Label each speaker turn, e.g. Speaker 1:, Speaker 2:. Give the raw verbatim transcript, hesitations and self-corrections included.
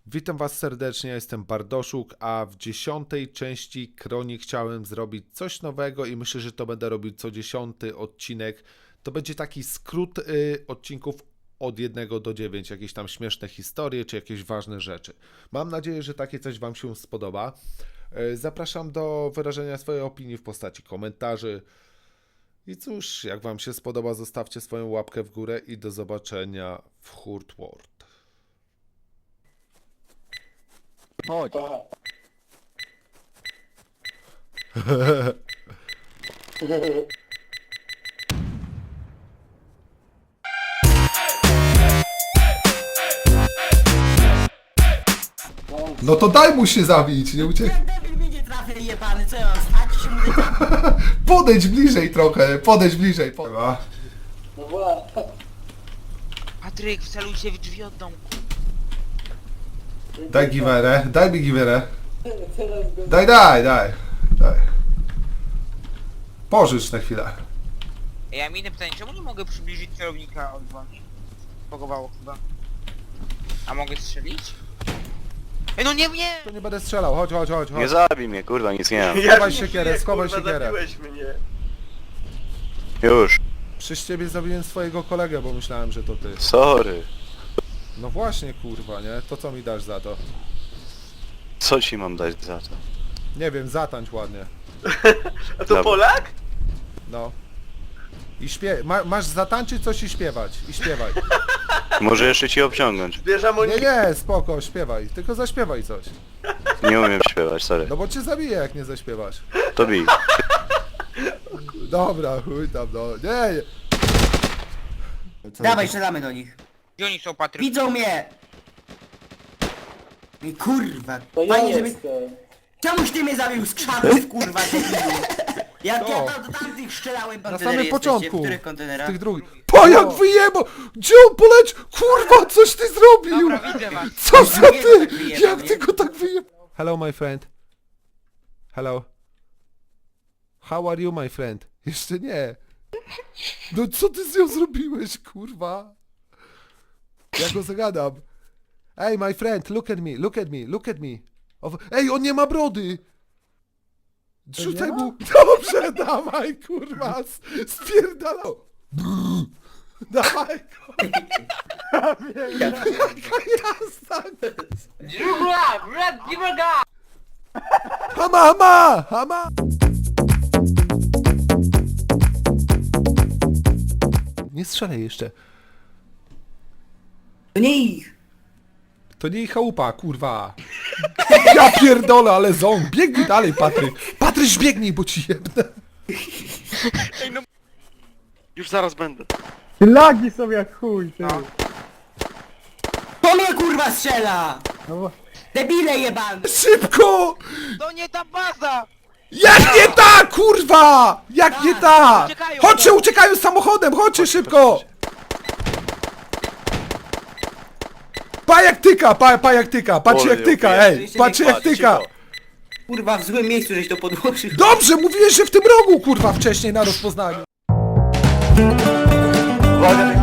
Speaker 1: Witam Was serdecznie, ja jestem Bardoszuk, a w dziesiątej części Kronik chciałem zrobić coś nowego i myślę, że to będę robił co dziesiąty odcinek. To będzie taki skrót y, odcinków od jednego do dziewięciu, jakieś tam śmieszne historie czy jakieś ważne rzeczy. Mam nadzieję, że takie coś Wam się spodoba. Y, zapraszam do wyrażenia swojej opinii w postaci komentarzy. I cóż, jak Wam się spodoba, zostawcie swoją łapkę w górę i do zobaczenia w Hurt World.
Speaker 2: Chodź.
Speaker 1: No to daj mu się zabić, nie uciek.
Speaker 3: Jak debil mnie nie trafia jebany, co ja mam stać się mówię tam?
Speaker 1: Podejdź bliżej trochę, podejdź bliżej. Po...
Speaker 3: No właśnie.
Speaker 4: Patryk, wceluj się w drzwi od domku.
Speaker 1: Daj giwerę, daj mi giwerę. Daj, daj, daj. Daj. Pożycz na chwilę.
Speaker 4: Ja mam inne pytanie, czemu nie mogę przybliżyć celownika od wami? Pogowało chyba. A mogę strzelić? Ej, no nie, nie!
Speaker 1: To nie będę strzelał, chodź, chodź, chodź.
Speaker 5: Nie
Speaker 1: chodź.
Speaker 5: zabij mnie, kurwa, nic nie mam.
Speaker 1: Schowaj siekierę, schowaj siekierę.
Speaker 2: Zabiłeś mnie.
Speaker 5: Już,
Speaker 1: Przez ciebie zabiłem swojego kolegę, bo myślałem, że to ty.
Speaker 5: sorry.
Speaker 1: No właśnie, kurwa, nie? To co mi dasz za to?
Speaker 5: Co ci mam dać za to?
Speaker 1: Nie wiem, zatańcz ładnie.
Speaker 2: A to
Speaker 5: Dobra.
Speaker 2: Polak?
Speaker 1: No. I śpiew... Ma, masz zatańczyć coś i śpiewać. I śpiewaj.
Speaker 5: Może jeszcze ci obciągnąć.
Speaker 2: Bierzam
Speaker 1: Nie, nie, spoko, śpiewaj. Tylko zaśpiewaj coś.
Speaker 5: Nie umiem śpiewać, sorry.
Speaker 1: No bo cię zabiję, jak nie zaśpiewasz.
Speaker 5: To bij.
Speaker 1: Dobra, chuj tam, no. Nie, nie.
Speaker 3: Dawaj, strzelamy do nich.
Speaker 4: Gdzie oni są, Patryk?
Speaker 3: Widzą mnie! I kurwa,
Speaker 6: To ja
Speaker 3: fajnie, żeby...
Speaker 6: jestem.
Speaker 3: Czemuś ty mnie zabił z krzaków, kurwa, debilu? Jak
Speaker 1: No.
Speaker 3: ja tam do tamtych strzelałem,
Speaker 1: Na
Speaker 3: kontenery
Speaker 1: samym
Speaker 3: jesteście.
Speaker 1: początku.
Speaker 3: W których
Speaker 1: W
Speaker 3: kontenerach?
Speaker 1: tych drugich. Po jak wyjebo! Gdzie on poleci? Kurwa, coś ty zrobił!
Speaker 4: Dobra, widzę was.
Speaker 1: Co za
Speaker 3: Drugiego
Speaker 1: ty?
Speaker 3: tak wyjebał,
Speaker 1: Jak
Speaker 3: nie?
Speaker 1: ty go tak wyjebał? Hello, my friend. Hello. How are you, my friend? Jeszcze nie. No co ty z nią zrobiłeś, kurwa? Ja go zagadam. Hey, my friend, look at me, look at me, look at me. Of... Ej, on nie ma brody! Rzucaj mu... Dobrze, dawaj, kurwa, s- spierdalał. Dawaj go. Jaka jazda. Hama, hama, hama. Nie strzelaj jeszcze.
Speaker 3: To nie ich!
Speaker 1: To nie ich chałupa, kurwa. Ja pierdolę, ale ząb. Biegnij dalej, Patryk. Patryś, biegnij, bo ci jebnę.
Speaker 5: Już zaraz będę.
Speaker 6: Lagi są jak chuj, ty.
Speaker 3: To mnie kurwa strzela!
Speaker 6: No bo...
Speaker 3: Debile jebane!
Speaker 1: Szybko!
Speaker 4: To nie ta baza!
Speaker 1: Jak nie ta, kurwa! Jak nie ta!
Speaker 4: Uciekają.
Speaker 1: Chodźcie, uciekają samochodem, chodźcie szybko! Pa jak tyka, pa, pa jak tyka, patrzcie jak
Speaker 5: Oj,
Speaker 1: tyka,
Speaker 5: oj,
Speaker 1: ej, patrzcie jak
Speaker 5: Patrz,
Speaker 1: tyka.
Speaker 5: cicho.
Speaker 3: Kurwa, w złym miejscu żeś to podłożył.
Speaker 1: Dobrze, mówiłeś, że w tym rogu, kurwa, wcześniej na rozpoznaniu.
Speaker 5: Uwaga,